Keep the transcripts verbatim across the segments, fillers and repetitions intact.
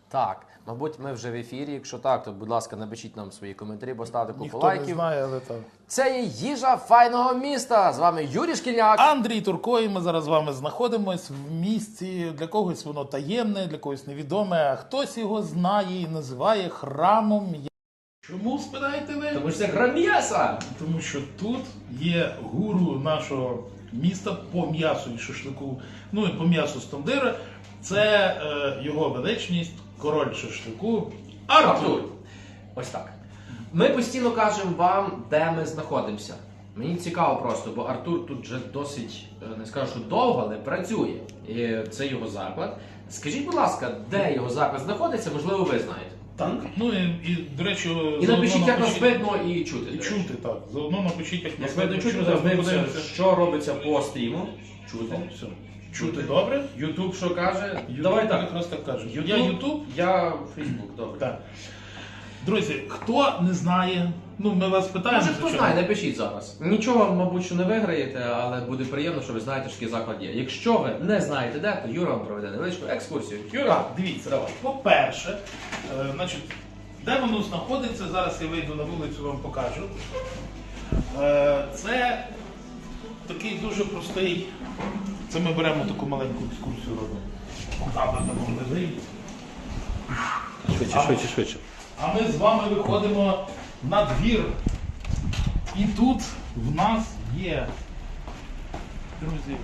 Так, мабуть, ми вже в ефірі. Якщо так, то, будь ласка, напишіть нам свої коментарі, поставте купу Ніхто лайків. не знає, але так. Це є їжа файного міста. З вами Юрій Шкільняк. Андрій Турко, і ми зараз з вами знаходимось в місці. Для когось воно таємне, для когось невідоме, а хтось його знає і називає храмом. Чому, спитаєте ви? Тому що це храм м'яса. Тому що тут є гуру нашого міста по м'ясу і шашлику, ну і по м'ясу з тандира. Це е, його величність, король шашлику Артур. Артур. Ось так. Ми постійно кажемо вам, де ми знаходимося. Мені цікаво просто, бо Артур тут вже досить, не скажу, що довго, але працює. І це його заклад. Скажіть, будь ласка, де його заклад знаходиться, можливо, ви знаєте. Так, ну і, і до речі, І напишіть, як нас напишіть- видно і чути. І чути, так. Заодно напишіть, як Як нас видно чути, що ми зараз ми подивимося, подивимося. що робиться по стріму. Чути. Все. Чути добре? Ютуб що каже? Ютуб Давай так. якраз так каже. YouTube, Я Ютуб. я Фейсбук, добре. Так. Друзі, хто не знає, ну ми вас питаємо. Може, хто звичайно. знає, напишіть зараз. Нічого, мабуть, що не виграєте, але буде приємно, що ви знаєте, що такий заклад є. Якщо ви не знаєте де, то Юра вам проведе невеличку екскурсію. Юра, Так, дивіться, давай. По-перше, е, значить, де воно знаходиться, зараз я вийду на вулицю, вам покажу. Е, це такий дуже простий. Це ми беремо таку маленьку екскурсію робимо. Куди там лежить. Швидше, швидше, швидше. А ми з вами виходимо на двір. І тут в нас є, друзі,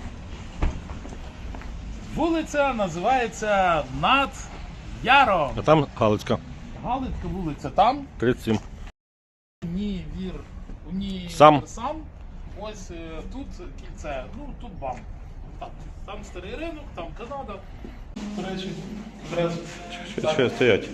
вулиця називається Над Яром. А там Галицька. Галицька вулиця там. тридцять сім. Ні, вір, ні, Сам. сам. Ось е, тут кільце, ну тут бам. Так, там старий ринок, там Канада. До речі, одразу. Що, що стоять?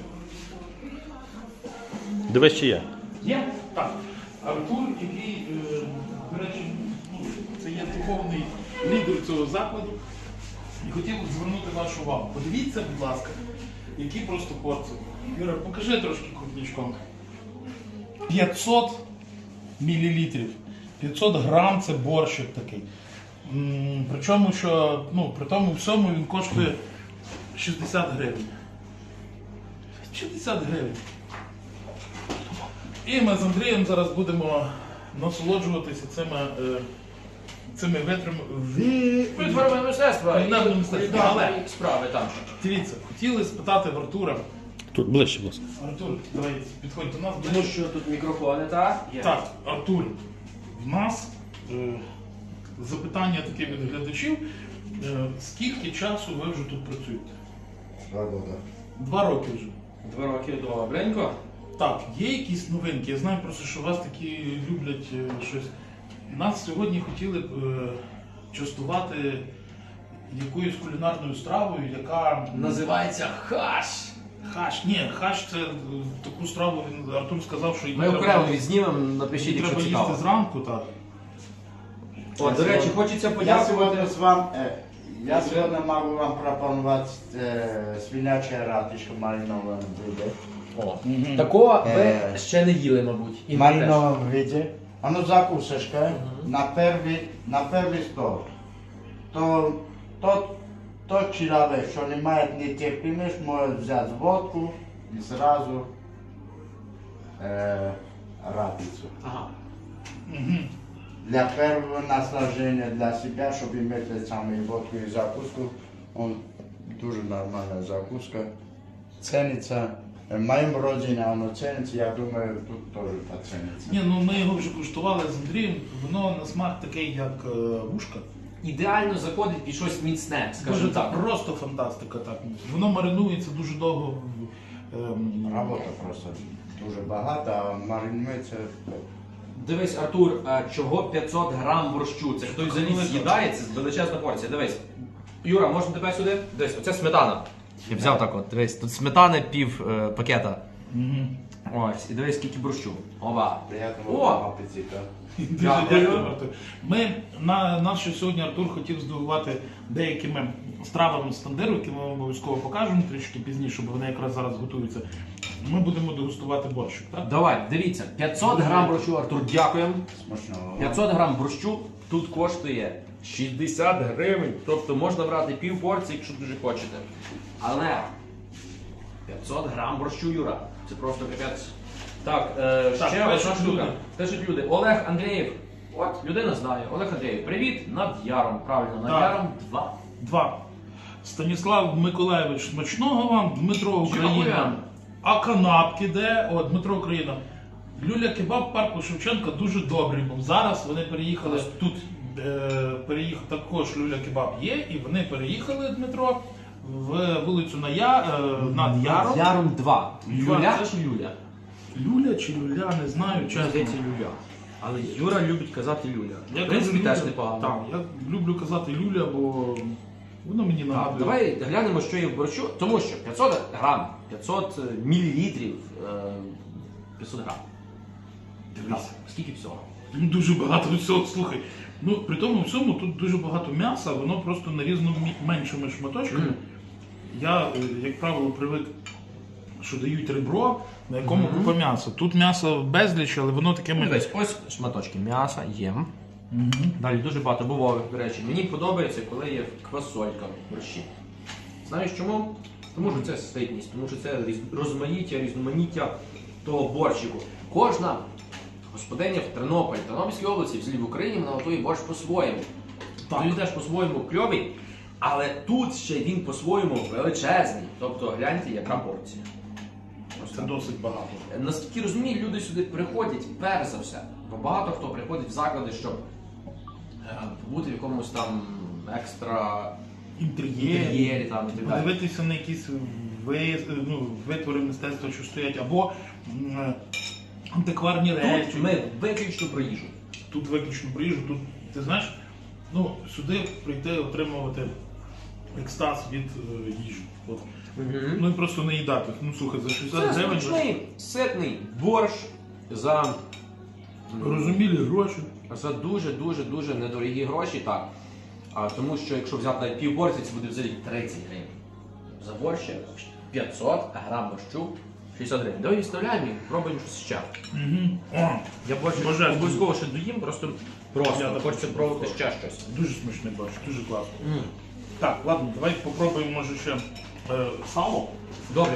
Дивись, чи є. Є? Так. Артур, який, е, до речі, ну, це є духовний лідер цього закладу. І хотів звернути вашу увагу. Подивіться, будь ласка, які просто порції. Юра, покажи трошки крупничком. п'ятсот мілілітрів. п'ятсот грам це борщик такий. М, Причому, що, ну, при тому всьому він коштує шістдесят гривень. шістдесят гривень. І ми з Андрієм зараз будемо насолоджуватися цими, е, цими витрами. Витворами мистецтва Кулінарне і мистецтво. кулінарні Але- справи там. Дивіться, хотіли спитати в Артура. Тут ближче, будь ласка. Артур, давай підходь до нас. Тому що тут мікрофони, так? Є. Так, Артур, в нас е, запитання таке від глядачів. Е, скільки часу ви вже тут працюєте? Два года. Два роки вже. Два роки добренько. Так, є якісь новинки. Я знаю просто, що вас такі люблять е, щось. Нас сьогодні хотіли б е, частувати якоюсь кулінарною стравою, яка Називається хаш. хаш. Ні, хаш це е, таку страву. Він Артур сказав, що її Ми треба- окремо відзнімемо, напишіть, її якщо треба цікаво. їсти зранку, так. О, до речі, хочеться Я подякувати. сегодня с вами, э, я сегодня могу вам пропонувати э, свиняче ратишко мариноване блюдо. О, такого ви Е. ще не їли, мабуть. І В не теж. мариновом виде. Оно закусочка на первый, на первый стол. То, тот, тот человек, что не имеет нетерпимость, может взять водку и сразу э, ратицу. Ага. Для первого наслаждения для себя, чтобы иметь самую водку и закуску, он дуже нормальная закуска. Ценится. В моем родине оно ценится, я думаю, тут тоже поценится. Ні, ну ми його вже куштували з Андрієм. Воно на смак такий, як е, вушка. Ідеально заходить під щось міцне, скажімо Дуже так. просто фантастика. Так. Воно маринується дуже довго. в- ем, Работа просто дуже багато, а маринується. Дивись, Артур, а чого п'ятсот грам борщу? Це хтось взагалі Велика. з'їдає, це величезна порція. Дивись. Юра, можна тебе сюди? Дивись, оце сметана. Я взяв так от, дивись, тут сметани пів е, пакета. Мгм. Ось, і дивись, скільки борщу. Ова. Приятного О! вам апетита. Дуже Дякую. дякую, Артур. Ми на нас ще сьогодні Артур хотів здивувати деякими стравами з тандиру, які ми вам обов'язково покажемо трішки пізніше, бо вони якраз зараз готуються. Ми будемо дегустувати борщик, так? Давай, дивіться, п'ятсот грам борщу, Артур, дякуємо. Смачного. п'ятсот грам борщу тут коштує шістдесят гривень. Тобто можна брати пів порції, якщо дуже хочете. Але п'ятсот грам борщу, Юра. Це просто капець. Так, е, Так, ще одна пишуть штука. люди. Пишуть люди. Олег Андрієв. От, людина знає. Олег Андрієв, привіт, над Яром. Правильно, над Так. Яром два. Два. Станіслав Миколаєвич, смачного вам, Дмитро Україна. Дякую. А канапки де? О, Дмитро Україна. Люля Кебаб парку Шевченка дуже добрий був. Зараз вони переїхали тут, е, переїхав також Люля Кебаб є, і вони переїхали, Дмитро, в вулицю на Я, е, над Яром. Яром два. Два, Юля це- чи Люля? Люля чи Люля, не знаю, чесно. Здається, Люля. Але Юра любить казати Люля. Я В принципі, кажу теж Люля. непогано. Так, я люблю казати Люля, бо воно мені Так, нагадує. давай глянемо, що є в борщу, тому що п'ятсот грам, п'ятсот мілілітрів, е, п'ятсот грам. Дивись. Так, скільки всього? Ну, дуже багато всього, слухай. Ну, при тому всьому тут дуже багато м'яса, воно просто нарізано мі- меншими шматочками. Мгм. Я, е, як правило, привик, що дають ребро, на якому Мгм. купа м'яса. Тут м'ясо безліч, але воно такими. Дивись, ось шматочки м'яса є. Мгм. Далі дуже багато бувових, до речі. Мені подобається, коли є квасолька в борщі. Знаєш чому? Тому що це ситність, тому що це різ- розмаїття, різноманіття того борщику. Кожна господиня в Тернополі, Тернопільській області, взагалі в Україні, вона готує борщ по-своєму. Так. Він теж по-своєму кльовий, але тут ще він по-своєму величезний. Тобто гляньте, яка порція. Це досить багато. Наскільки розумію, люди сюди приходять перш за все. Бо багато хто приходить в заклади, щоб е, побути в якомусь там екстра Інтер'єрі, інтер'єрі там і так далі. подивитися на якісь ви, ну, витвори мистецтва, що стоять, або м, антикварні речі. Тут ми виключно про їжу. Тут виключно про їжу, тут, ти знаєш, ну, сюди прийти отримувати екстаз від е, їжі. От. Ну і просто не їдати. Ну слухай, за шістдесят Це гривень смачний, ситний борщ за, розумілі гроші. за дуже-дуже-дуже недорогі гроші, так. А, тому що якщо взяти навіть пів порції, це буде взагалі тридцять гривень. За борщ п'ятсот грам борщу шістдесят гривень. Давай відставляємо і пробуємо щось ще. Угу. О, Я борщ Божественно. обов'язково ще доїм, просто Я просто так хочеться хочу. пробувати ще щось. дуже смачний борщ, дуже класно. М. Так, ладно, давай попробуємо, може, ще е, сало. Добре.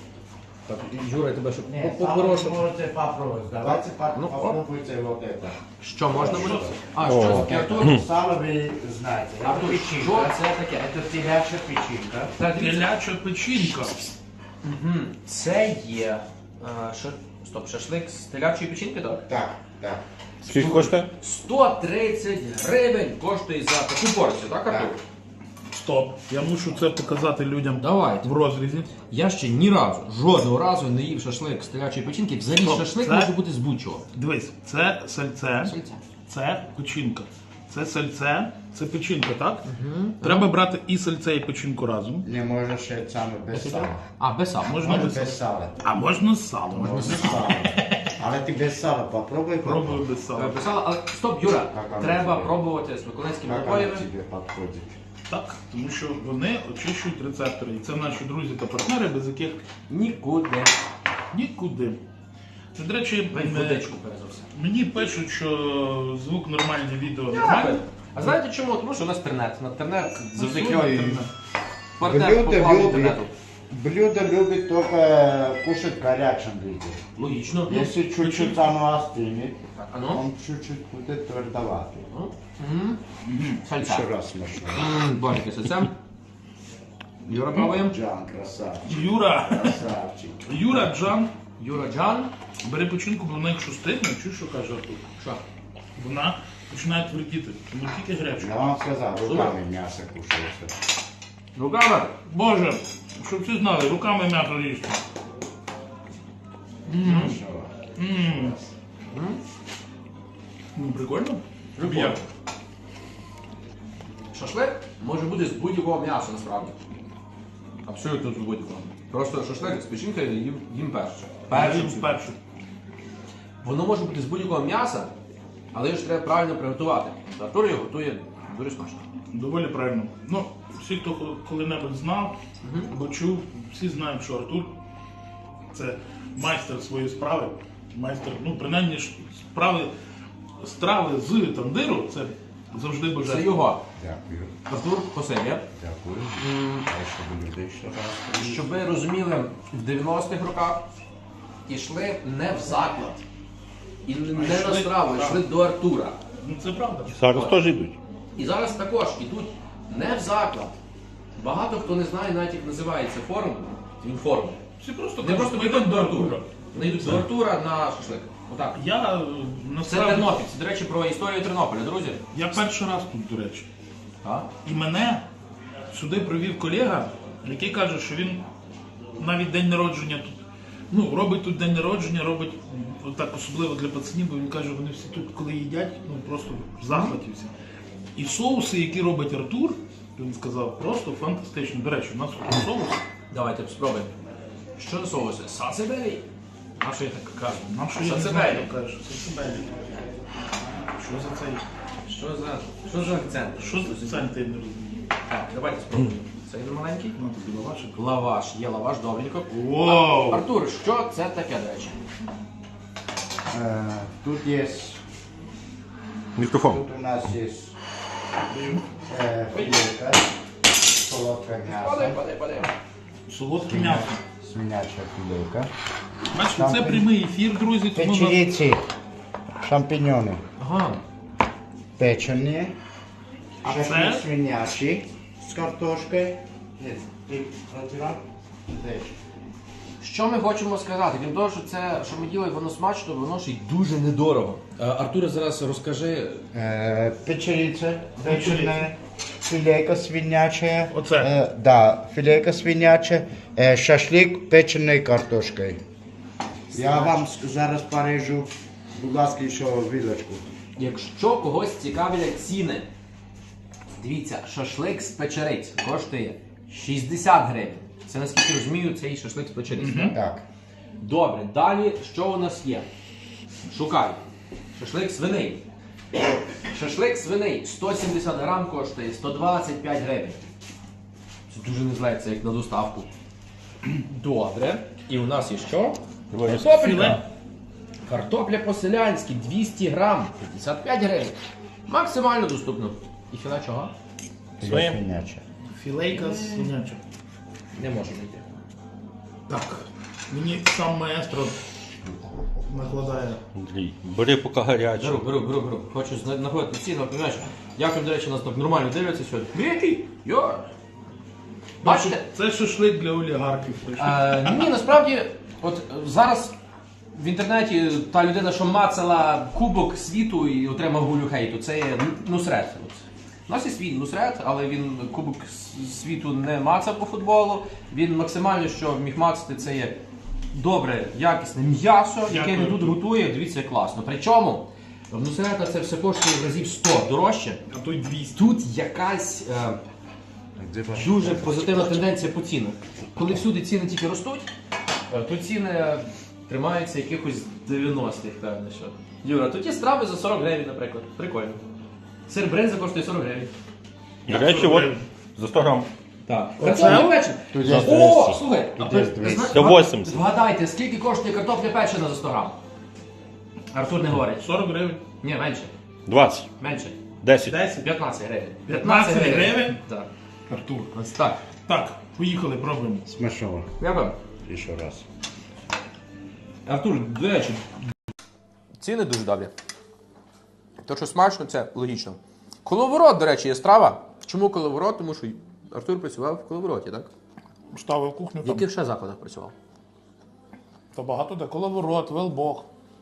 Так, Юра, я тебе щоб Не, по- сало по-хорошому. можете попробовать. Давайте по- Ну, оп. попробуйте вот это. Що можна буде? Що це? А, О. що таке, Артур? Сало вы знаете. Это Артур, що печенька. це таке? Это телячья печенька. Так, дивіться. Теляча печінка. Мгм. Це є. е, ша- Стоп, шашлик з телячої печінки, так? Так, так. Скільки коштує? сто тридцять гривень коштує за таку порцію, так, Артур? Стоп. Я мушу це показати людям Давайте. в розрізі. Я ще ні разу, жодного разу не їв шашлик з телячої печінки. Взагалі Стоп, шашлик це- може бути з будь-чого. Дивись, це сальце, Сальце. це печінка. Це сальце, це печінка, так? Треба брати і сальце, і печінку разом. Не можешь ще саме без сала. А, без сала. Можна Можна без сала. без сала. А можна з салом. Можна без сала. Але ти без сала попробуй. Пробую без Е, сала. Без сала, але стоп, Юра, Так, а треба ну, пробувати з миколаївськими Як вона напоями. тобі підходить? Так, тому що вони очищують рецептори. І це наші друзі та партнери, без яких Нікуди. нікуди. Це, до речі, Дай м, водичку перш за все. мені пишуть, що звук нормальний, відео нормальне. А знаєте чому? Тому що у нас інтернет. На інтернет завжди свій кльовий інтернет. партнер Блюдо по плану любить. інтернету. Блюдо любит только кушать в горячем виде. Логічно. Если чуть-чуть оно остынет, Так, а ну. он чуть-чуть будет твердоватый. Ну. Мгм. Сальця. Еще раз смешно. М, Божики, сальця. Юра пробуємо. Джан, красавчик, Юра, красавчик. Юра, Джан, Юра Джан. бери печінку, бо вона якщо стигне, чуєш, що каже Артур? Що? Вона починає твердіти, тому тільки гаряче. Я вам сказал, руками мясо кушается. Руками. Боже, щоб всі знали, руками м'ясо їсти. Хорошо. Ммм. Ну, прикольно. Прикольно. Як? Шашлик може бути з будь-якого м'яса, насправді. Абсолютно з будь-якого. Просто шашлик з печінкою їм, їм перше. Першим Першим, всім. першим. Воно може бути з будь-якого м'яса, але його ж треба правильно приготувати. Артур його готує дуже смачно. Доволі правильно. Ну, всі, хто коли-небудь знав або чув, всі знають, що Артур це майстер своєї справи. Майстер, ну, принаймні ж справи, страви з тандиру, це завжди Це бажаю. його. Дякую. Артур, спасибі. Дякую. А щоб люди ще раз. Щоб ви розуміли, в дев'яностих роках йшли не в заклад. І не на йшли- страву, так. йшли до Артура. Ну це правда. Зараз теж йдуть. І зараз також йдуть не в заклад. Багато хто не знає навіть як називається форум. Він форум. Всі просто Вони просто кажуть, йдуть до «Артура». Артура. Вони йдуть до Артура на шашлик. Отак. Я е, Це насправді, Тернопіль. Це, до речі, про історію Тернополя, друзі. я перший раз тут, до речі. Так. І мене сюди привів колега, який каже, що він навіть день народження тут. Ну, робить тут день народження, робить м, так особливо для пацанів, бо він каже, вони всі тут, коли їдять, ну просто в захваті всі. І соуси, які робить Артур, він сказав, просто фантастично. До речі, у нас тут соус. Давайте спробуємо. Що за соуси? Сацебелі? А що я так кажу? Нам що я не Сацебелі. знаю, каже, що це себе. Що за цей? Що за, що за акцент? Що за цей, ти не розумію. Так, давайте спробуємо. Це він маленький? Ну, тобі лавашик. Лаваш. Є лаваш, добренько. Вау! Артур, що це таке, до речі? Е, Тут є, Мікрофон. тут у нас є е, філейка, солодке Падай, м'ясо, падай, падай. Солодке м'ясо. свиняча філейка, Бачите, це прямий ефір, друзі, тому нас- печериці, шампіньони, Ага. печені, А шашлик це? свинячий з картошкою. Є, і протирав, теж. Що ми хочемо сказати? Крім того, що це, що ми діли, воно смачно, воно ще й дуже недорого. Артур, зараз розкажи. Е, Печериця, печена, філейка свиняча. Оце? Е, да, філейка свиняча, е, шашлик печеної картошкою. Я вам ск- зараз порежу, будь ласка, ще вилочку. Якщо когось цікавлять ціни, дивіться, шашлик з печериць коштує шістдесят гривень. Це, наскільки розумію, цей шашлик з печериць. так? Так. Добре, далі що у нас є? Шукай. Шашлик свиний. Шашлик свиний сто сімдесят грам коштує сто двадцять п'ять гривень. Це дуже не зле, це як на доставку. Добре. І у нас є що? Філе. Картопелька. Картопля по-селянськи двісті грам, п'ятдесят п'ять гривень. Максимально доступно. І філе чого? Філе свиняча. Філейка з свиняча. Не можу знайти. Так, мені сам маестро накладає. Андрій, бери поки гаряче. Беру, беру, беру, беру. Хочу зна- знаходити ціну, розумієш? Дякую, до речі, нас так нормально дивляться сьогодні. Який? Йо! Бачите? Це шашлик для олігархів. Е, ні, насправді, от е, зараз в інтернеті та людина, що мацала кубок світу і отримав гулю хейту, це є Нусрет. От. У нас є свій Нусрет, але він кубок с- світу не мацав по футболу. Він максимально, що міг мацати, це є добре, якісне м'ясо, яке він Дякую. тут готує. Дивіться, як класно. Причому в Нусрета це все коштує в разів сто дорожче. А той двісті. Тут якась е, дуже позитивна тенденція по цінах. Коли всюди ціни тільки ростуть, е, то ціни тримаються якихось дев'яностих, певно, що. Юра, тут є страви за сорок гривень, наприклад. Прикольно. Сир бринза коштує сорок гривень. До речі, от за сто грам. Так. Оце? Картопля печена. Тут є О, двісті. слухай, а Тут ви- є ви двісті. зна- Це вісімдесят. Вгадайте, скільки коштує картопля печена за сто грам? Артур не говорить. сорок гривень. Ні, менше. двадцять. Менше. десять. десять. п'ятнадцять гривень. п'ятнадцять гривень? Так. Артур. Ось так. Так, поїхали, пробуємо. Смачного. Дякую. І ще раз. Артур, до речі. Ціни дуже добрі. То, що смачно, це логічно. Коловорот, до речі, є страва. Чому коловорот? Тому що Артур працював в коловороті, так? Ставив кухню В там. яких ще закладах працював? Та багато де. Коловорот, Велбок.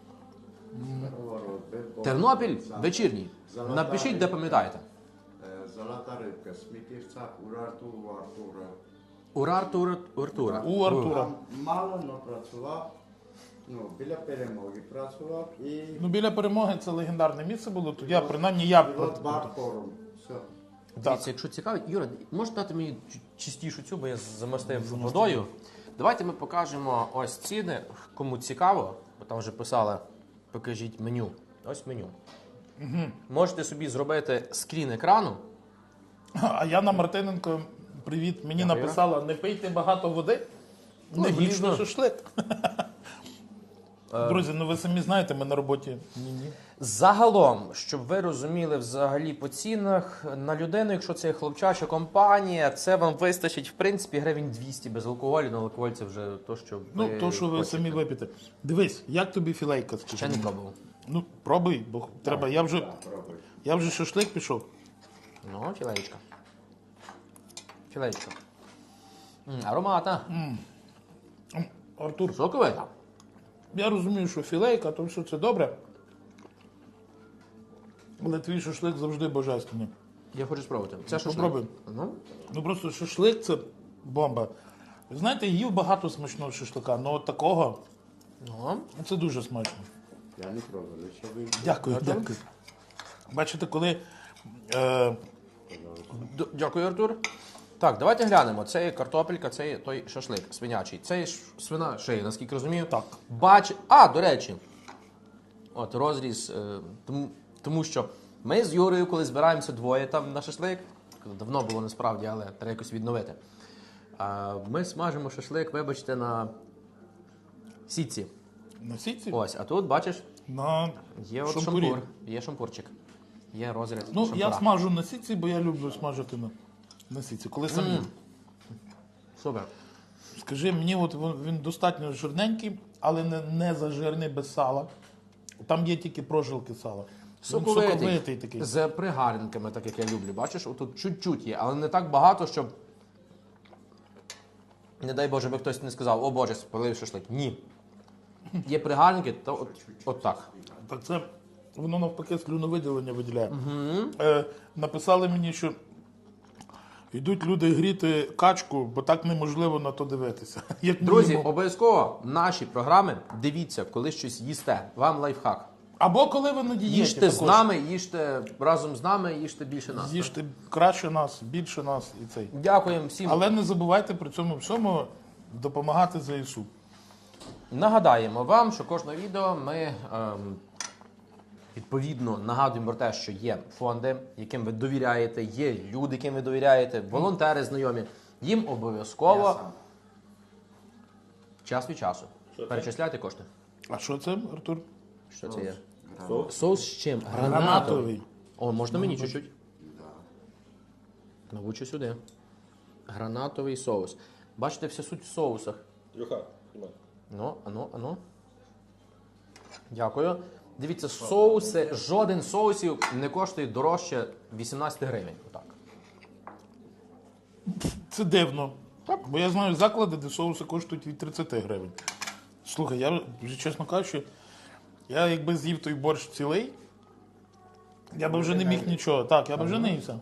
Тернопіль вечірній. Напишіть, де пам'ятаєте. Золота рибка, Смітівця, Урарту, у Артура. Урар Тур Артура. У Артура. Там мало, але працював. Ну, біля перемоги працював і Ну, біля перемоги це легендарне місце було. Тут я, принаймні, я... пілот бар форум. Все. Дивіться, якщо цікавить, Юра, можеш дати мені чу- чистішу цю, бо я замастив водою. Давайте ми покажемо ось ціни, кому цікаво, бо там вже писали, покажіть меню. Ось меню. Угу. Можете собі зробити скрін екрану. А Яна Мартиненко, привіт, мені Дякую. написала, не пийте багато води, не Логічно. влізне шашлик. Е, Друзі, ну ви самі знаєте, ми на роботі. Ні-ні. Загалом, щоб ви розуміли взагалі по цінах, на людину, якщо це є хлопчача компанія, це вам вистачить, в принципі, гривень двісті без алкоголю, але алкоголь це вже то, що ви Ну, то, що ви хочете. самі вип'єте. Дивись, як тобі філейка? скажи Ще не мені? пробував. Ну, пробуй, бо треба. Я вже, я вже шашлик пішов. Ну, філеєчка. Філеєчка. М, ароматна. М, Артур, Соковита. я розумію, що філейка, то все це добре. Але твій шашлик завжди божественний. Я хочу спробувати. Це шашлик. Попробуй. Ну, Ну просто шашлик це бомба. Ви знаєте, їв багато смачного шашлика, але от такого ну. ну, це дуже смачно. Я не пробував, що ви... Дякую, дякую. Бачите, коли. Е, Д- Дякую, Артур. Так, давайте глянемо. Це є картопелька, це є той шашлик свинячий. Це є ш- свина шия, наскільки розумію. Так. Бач... А, до речі. От розріз. Е, тому, тому що ми з Юрою, коли збираємося двоє там на шашлик, давно було насправді, але треба якось відновити. А, ми смажимо шашлик, вибачте, на сітці. на сітці, Ось, а тут, бачиш, на є от шампурі. шампур, є шампурчик. Є розріз Ну, шампура. я смажу на сітці, бо я люблю смажити на, на сітці. Коли сам їм. Супер. Скажи, мені от він, він достатньо жирненький, але не, не зажирний, без сала. Там є тільки прожилки сала. Він Соковитий, соковитий такий. з пригаринками, так як я люблю. Бачиш, отут чуть-чуть є, але не так багато, щоб. Не дай Боже, би хтось не сказав, о Боже, спалив шашлик. Ні. Є пригарники, то от, от так. Так це воно навпаки слюновиділення виділяє. Е, написали мені, що йдуть люди гріти качку, бо так неможливо на то дивитися. Як Друзі, мінімум. обов'язково наші програми дивіться, коли щось їсте. Вам лайфхак. Або коли ви на дієті. Їжте з також. нами, їжте разом з нами, їжте більше нас. Їжте краще нас, більше нас і цей. Дякуємо всім. Але не забувайте при цьому всьому допомагати ЗСУ. Нагадаємо вам, що кожне відео ми ем, відповідно нагадуємо про те, що є фонди, яким ви довіряєте, є люди, яким ви довіряєте, волонтери знайомі. Їм обов'язково час від часу перечисляйте кошти. А що це, Артур? Що це є? Соус з чим? Гранатовий. О, можна мені чуть-чуть? Навучу сюди. Гранатовий соус. Бачите, вся суть в соусах. Люха, Ну, ану, ану. Дякую. Дивіться, соуси, жоден з соусів не коштує дорожче вісімнадцять гривень. Отак. Це дивно. Бо я знаю заклади, де соуси коштують від тридцять гривень. Слухай, я вже чесно кажучи, я якби з'їв той борщ цілий, я би вже не міг нічого. Так, я би вже не ївся.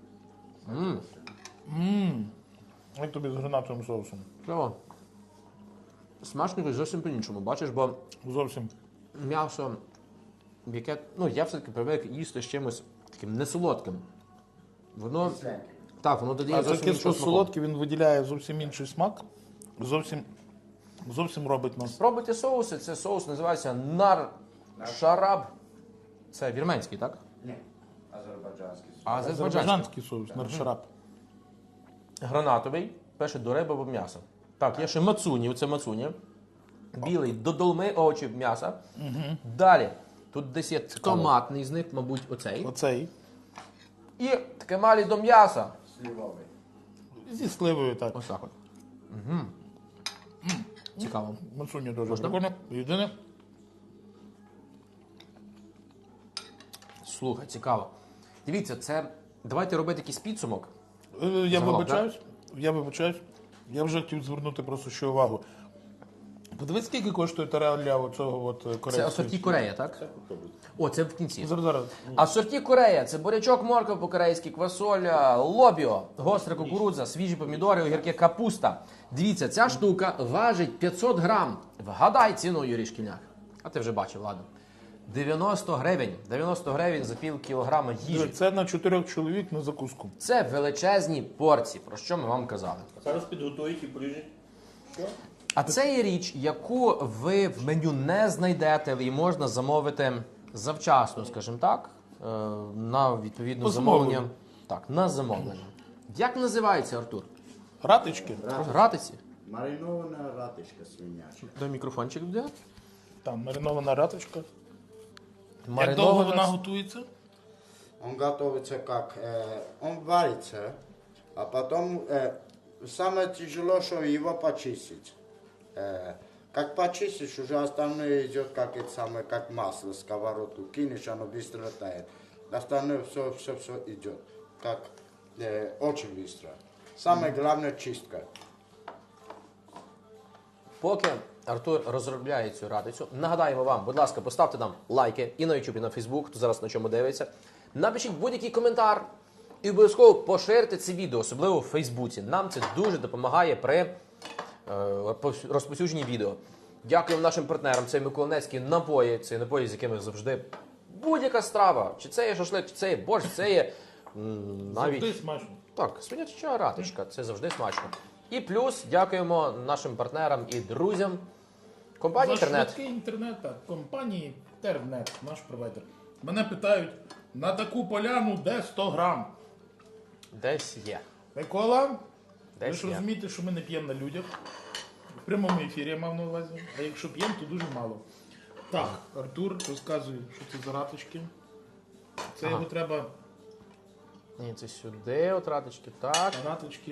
Ммм. Як тобі з гранатовим соусом? Кльово. Смачно зовсім по-іншому. Бачиш, бо Зовсім. м'ясо, яке, ну, я все-таки привик їсти з чимось таким несолодким. Воно, так, воно додає А зовсім таке, що іншого смаку. солодкий, він виділяє зовсім інший смак. Зовсім, зовсім робить нас. Спробуйте соуси. Це соус називається нар шараб. Це вірменський, так? Ні, азербайджанський. А азербайджанський. Азербайджанський соус, наршарап. Гранатовий, пише до риби або м'яса. Так, є ще мацуні, це мацуні. Білий до долми овочів м'яса. Далі, тут десь є томатний з них, мабуть, оцей. Оцей. І таке малі до м'яса. Слівовий. Зі сливою так. Ось так от. Угу. Цікаво. Мацуня дуже Можна? прикольно. Єдине. Слухай, цікаво. Дивіться, це. Давайте робити якийсь підсумок. Е, Я Загалом, вибачаюсь. Я вибачаюсь. Я вже хотів звернути просто ще увагу. Подивись, скільки коштує тарея для оцього от корейського. Це асорті Корея, так? О, це в кінці. Зараз, зараз. Асорті Корея це бурячок, морква по-корейськи, квасоля, лобіо, гостра кукурудза, свіжі помідори, огірки, капуста. Дивіться, ця штука важить п'ятсот грам. Вгадай ціну, Юрій Шкільняк. А ти вже бачив, ладно. дев'яносто гривень. дев'яносто гривень за пів кілограма їжі. Це на чотирьох чоловік на закуску. Це величезні порції, про що ми вам казали. Зараз підготують і поріжуть. А це є річ, яку ви в меню не знайдете, і можна замовити завчасно, скажімо так, е, на відповідне По замовлення. замовленню. Так, на замовлення. Як називається, Артур? Ратички. Гратиці? Маринована ратишка свиняча. Дай мікрофончик буде. Там маринована раточка. Як Маринована- довго вона готується? Он готовится как, э, он варится, а потом э, самое тяжело, что его почистить. Э, как почистишь, уже остальное идет как это самое, как масло, сковородку кинешь, оно быстро тает. Остальное все, все, все идет, как э, очень быстро. Самое главное чистка. Поки Артур розробляє цю радицю, нагадаємо вам, будь ласка, поставте нам лайки і на YouTube, і на Facebook, хто зараз на чому дивиться. Напишіть будь-який коментар і обов'язково поширте це відео, особливо в Фейсбуці. Нам це дуже допомагає при е, розповсюдженні відео. Дякуємо нашим партнерам. Це миколаївські напої, це напої, з якими завжди будь-яка страва. Чи це є шашлик, чи це є борщ, це є м, навіть... Завжди смачно. Так, свиняча раточка, це завжди смачно. І плюс дякуємо нашим партнерам і друзям компанії За інтернет. швидкий інтернет, так, компанії Тернет, наш провайдер. Мене питають, на таку поляну де сто грам? Десь є. Микола, ви Десь ж є. розумієте, що ми не п'ємо на людях. В прямому ефірі я мав на увазі. А якщо п'ємо, то дуже мало. Так, Артур розказує, що це за раточки. Це Ага. його треба Ні, це сюди, от раточки, так. раточки.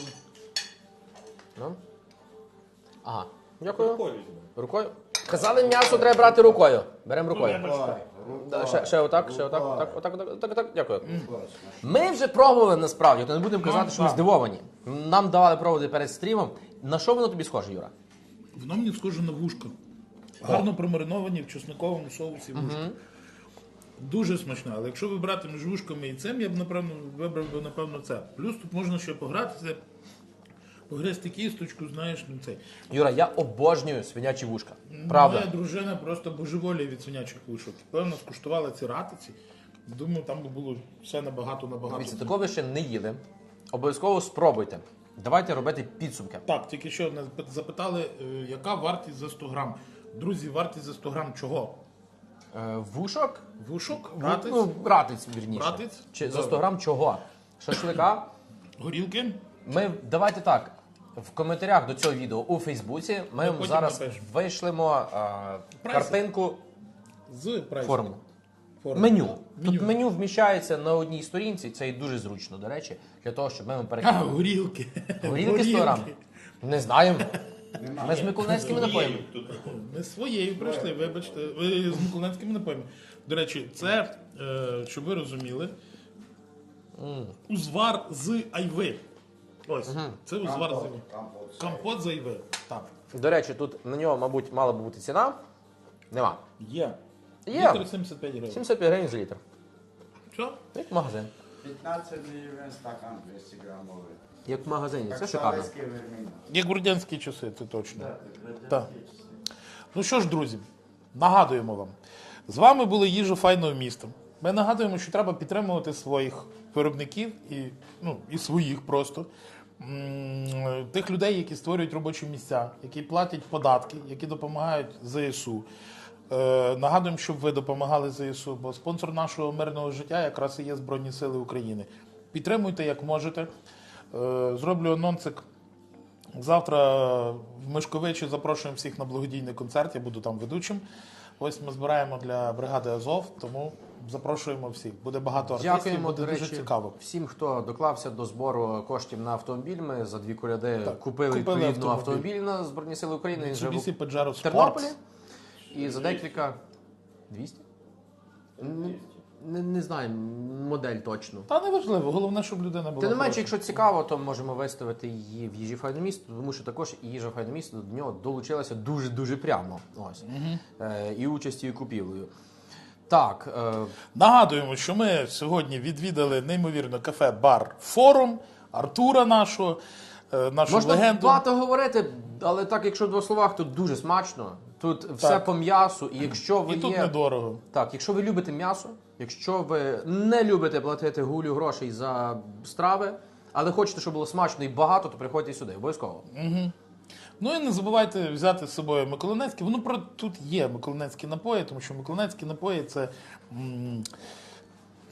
Ну. Ага. Дякую. Рукою. Казали, м'ясо треба брати рукою. Беремо рукою. Да, Ще, ще отак, ще отак, отак, отак, отак, отак, отак, дякую. Ми вже пробували насправді, то не будемо казати, що ми здивовані. Нам давали пробувати перед стрімом. На що воно тобі схоже, Юра? Воно мені схоже на вушка. Гарно промариновані в чесниковому соусі вушка. Дуже смачно, але якщо вибрати між вушками і цим, я б напевно вибрав би напевно це. Плюс тут можна ще погратися, погризти кісточку, знаєш, ну цей. Юра, я обожнюю свинячі вушка. Правда. Моя дружина просто божеволіє від свинячих вушок. Певно, скуштувала ці ратиці. Думаю, там би було все набагато набагато. Дивіться, такого ви ще не їли. Обов'язково спробуйте. Давайте робити підсумки. Так, тільки що одне запитали, е, яка вартість за сто грам. Друзі, вартість за сто грам чого? Е, вушок? Вушок, Ратиць? ратиць, Ну, ратиць, вірніше. Ратиць? Чи за Добре. сто грам чого? Шашлика? горілки. Ми, давайте так, в коментарях до цього відео у Фейсбуці ми вам потім зараз напишемо. вийшлемо а, Прайси. картинку З прайсом. форму. Форму. Меню. Меню. Тут меню вміщається на одній сторінці, це і дуже зручно, до речі, для того, щоб ми вам А, перекинули. горілки. Горілки сто грам? Не знаємо. Ми з миколаївськими напоями. Ми своєю прийшли, вибачте, ви з миколаївськими напоями. До речі, це, е, щоб ви розуміли, узвар з айви. Ось, це узвар з айви. Компот з айви. Так. До речі, тут на нього, мабуть, мала б бути ціна. Нема. Є. Є. Літр сімдесят п'ять гривень. сімдесят п'ять гривень за літр. Що? Як в магазин. пятнадцать гривен стакан двести граммовый. Як в магазині. Как Це в шикарно. советские времена. Як в радянські часи, це точно. Да, Так. Ну що ж, друзі, нагадуємо вам. З вами були їжа файного міста. Ми нагадуємо, що треба підтримувати своїх виробників і, ну, і своїх просто. М, Тих людей, які створюють робочі місця, які платять податки, які допомагають ЗСУ. Е, нагадуємо, щоб ви допомагали ЗСУ, бо спонсор нашого мирного життя якраз і є Збройні Сили України. Підтримуйте, як можете. Е, зроблю анонсик. Завтра в Мишковичі запрошуємо всіх на благодійний концерт, я буду там ведучим. Ось ми збираємо для бригади Азов, тому запрошуємо всіх. Буде багато артистів, Дякуємо, буде до дуже речі, цікаво. всім, хто доклався до збору коштів на автомобіль. Ми за дві коляди Так, купили, купили відповідно автомобіль. автомобіль на Збройні Сили України. Він вже Mitsubishi в Pajero Sport. Тернополі. І за декілька... двісті? Не, не, не знаю модель точно. Та не важливо, головне, щоб людина була. Тим не менше, хороша. якщо цікаво, то можемо виставити її в їжі файне місто, тому що також і їжа файне місто до нього долучилася дуже-дуже прямо. Ось. Е, і участю, і купівлею. Так, е, Нагадуємо, що ми сьогодні відвідали неймовірно кафе-бар Форум, Артура нашого, е, нашу можна легенду. багато говорити, але так, якщо в двох словах, то дуже смачно. Тут все по м'ясу, і якщо ви І тут є... недорого. Так, якщо ви любите м'ясо, якщо ви не любите платити гулю грошей за страви, але хочете, щоб було смачно і багато, то приходьте сюди, обов'язково. Ну і не забувайте взяти з собою миколаївські. Воно про тут є миколаївські напої, тому що миколаївські напої це м,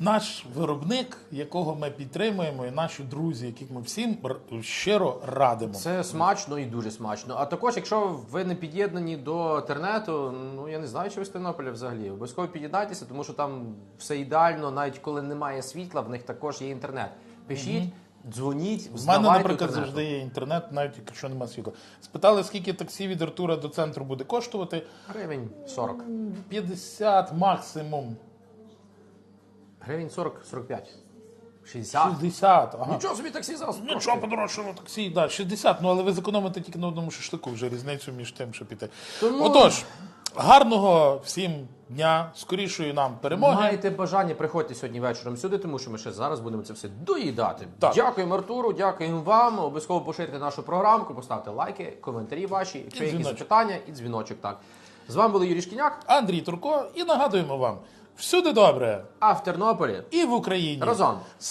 наш виробник, якого ми підтримуємо, і наші друзі, яких ми всім р- щиро радимо. Це смачно і дуже смачно. А також, якщо ви не під'єднані до інтернету, ну я не знаю, чи ви з Тернополя взагалі. Обов'язково під'єднайтеся, тому що там все ідеально, навіть коли немає світла, в них також є інтернет. Пишіть, дзвоніть, В мене, взнавайте наприклад, інтернету. завжди є інтернет, навіть якщо немає світла. Спитали, скільки таксі від Артура до центру буде коштувати? Гривень сорок. п'ятдесят максимум. Гривень сорок сорок п'ять. шістдесят. шістдесят. Ага. Нічого собі таксі зараз. Нічого подорожчало таксі, да, шістдесят. Ну, але ви зекономите тільки на одному шашлику, вже різницю між тим, що піти. Тому- Отож, гарного всім дня, скорішої нам перемоги. Маєте бажання, приходьте сьогодні вечором сюди, тому що ми ще зараз будемо це все доїдати. Так. Дякуємо Артуру, дякуємо вам. Обов'язково поширте нашу програмку, поставте лайки, коментарі ваші, якщо І є якісь дзвіночок. запитання, і дзвіночок. Так. З вами був Юрій Шкіняк, Андрій Турко, і нагадуємо вам, всюди добре, а в Тернополі і в Україні. разом.